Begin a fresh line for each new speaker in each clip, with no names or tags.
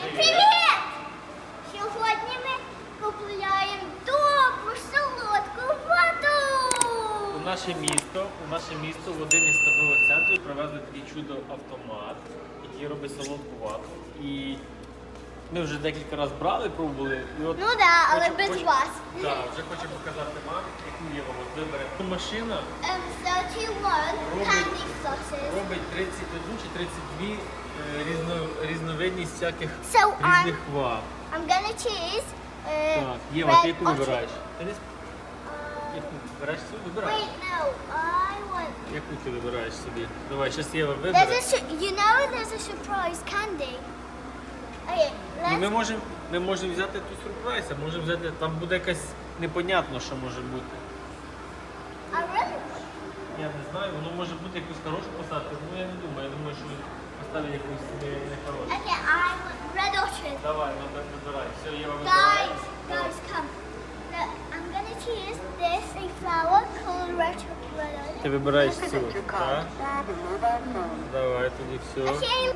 Привіт! Сьогодні ми купуємо добру солодку вату.
У наше місто в один із торгових центрів привезли такий чудо-автомат, який робить солодку вату. І ми вже декілька разів брали, пробували. І от
Ну так, але без вас.
Так, вже хочу показати мамі, яку є от вибере. Машина
31 candy flossers.
робить 31 чи 32 різновидність всяких
So
різних ват.
I'm gonna choose
Так, Єва,
red
ти яку
or
вибираєш? Ти не яку вибираєш собі? Вибирай.
Wait, no, I want.
Яку ти вибираєш собі? Давай, зараз Єва
There's
вибере.
you know there's a surprise candy. Okay,
Ну,
let's.
ми можемо взяти ту сюрприз, а можемо взяти, там буде якась непонятно, що може бути.
I really.
Я не знаю, воно може бути якусь хорошу поставити, ну я не думаю, я думаю, що поставить якусь не хорошу.
Okay, I want red orchid.
Давай, ну так вибирай. Все, Єва вибирає.
Guys, come. Look, I'm gonna choose this a flower called red orchid.
Ти вибираєш цю, так? Давай, тоді все.
Okay.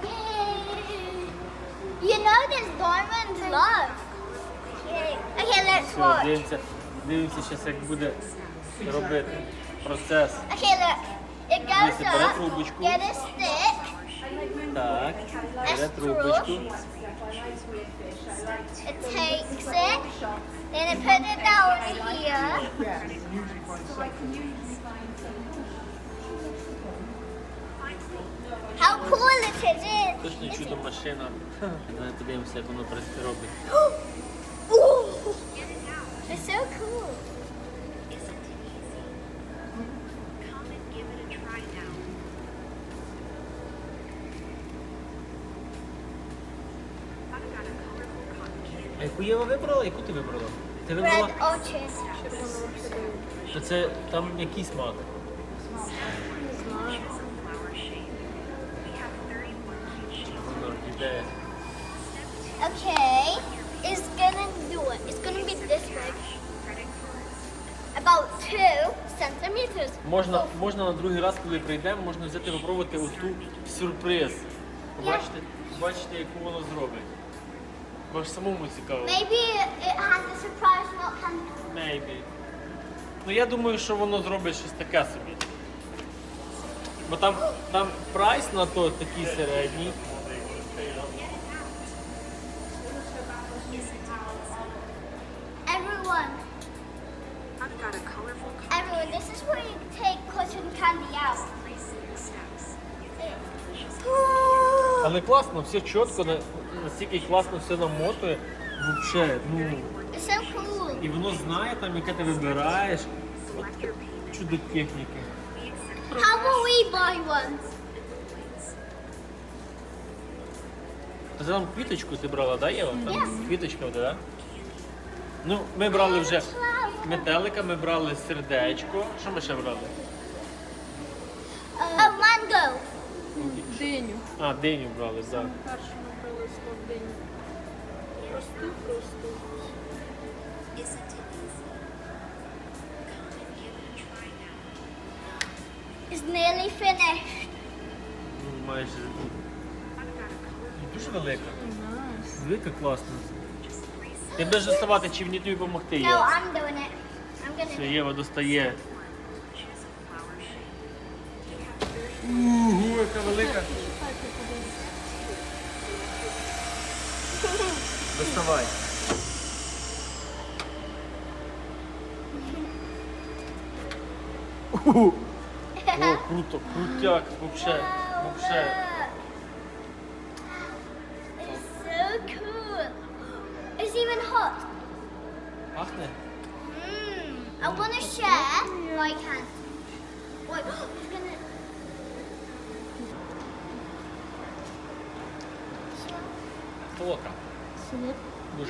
You know there's diamonds love. Okay, let's
Все,
watch.
дивимося зараз, як буде робити процес.
Okay, look. It goes
Дивіться, бере
up.
трубочку.
Get a stick.
Так, бере
Let's
трубочку.
It takes it. Then it put it down here. How cool it is!
Точно чудо машина. Давай подивимося, як воно робить.
Ooh, it's so cool.
А яку Єва вибрала? Яку ти вибрала? Ти вибрала?
Red orchid.
То це там який смак? Орхідея.
Okay, it's gonna do it. It's gonna be this big. About 2 centimeters.
Можна на другий раз, коли прийдемо, можна взяти попробувати оту сюрприз. Побачите, яку воно зробить. Бо ж самому цікаво.
Maybe it has a surprise not candy.
Maybe. Ну я думаю, що воно зробить щось таке собі. Бо там прайс на то такий середній.
Everyone, this is where you take cotton candy out.
Але класно, все чітко, настільки класно все намотує. Вообще, ну.
It's so cool.
І воно знає там, яке ти вибираєш. От чудо техніки.
How will we buy one?
Ти там квіточку ти брала, да, Єва? Там
Yes.
квіточка буде, да? Ну, ми брали вже метелика, ми брали сердечко. Що ми ще брали?
Oh, mango.
Диню.
А, диню брали, так.
Першу ми брали слов диню. Просту.
It's nearly finished.
Ну, майже. Дуже велика. Велика класна. Ти будеш доставати, чи мені тобі допомогти,
No,
Єва?
I'm doing it. I'm gonna.
Все, Єва достає. Ого, яка велика. Доставай. О, круто, крутяк, вообще.
It's so cool. It's even hot.
Пахне?
I want to share my hand. Wait, it's gonna.
Солодка. Дуже.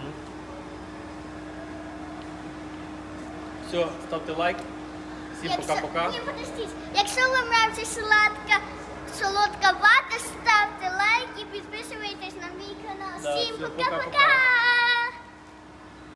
Все, ставте лайк. Всім пока-пока.
Ні, подождіть. Якщо вам нравиться солодка вата, ставте лайк і підписуйтесь на мій канал.
Да,
Всім
все,
пока-пока!
пока-пока.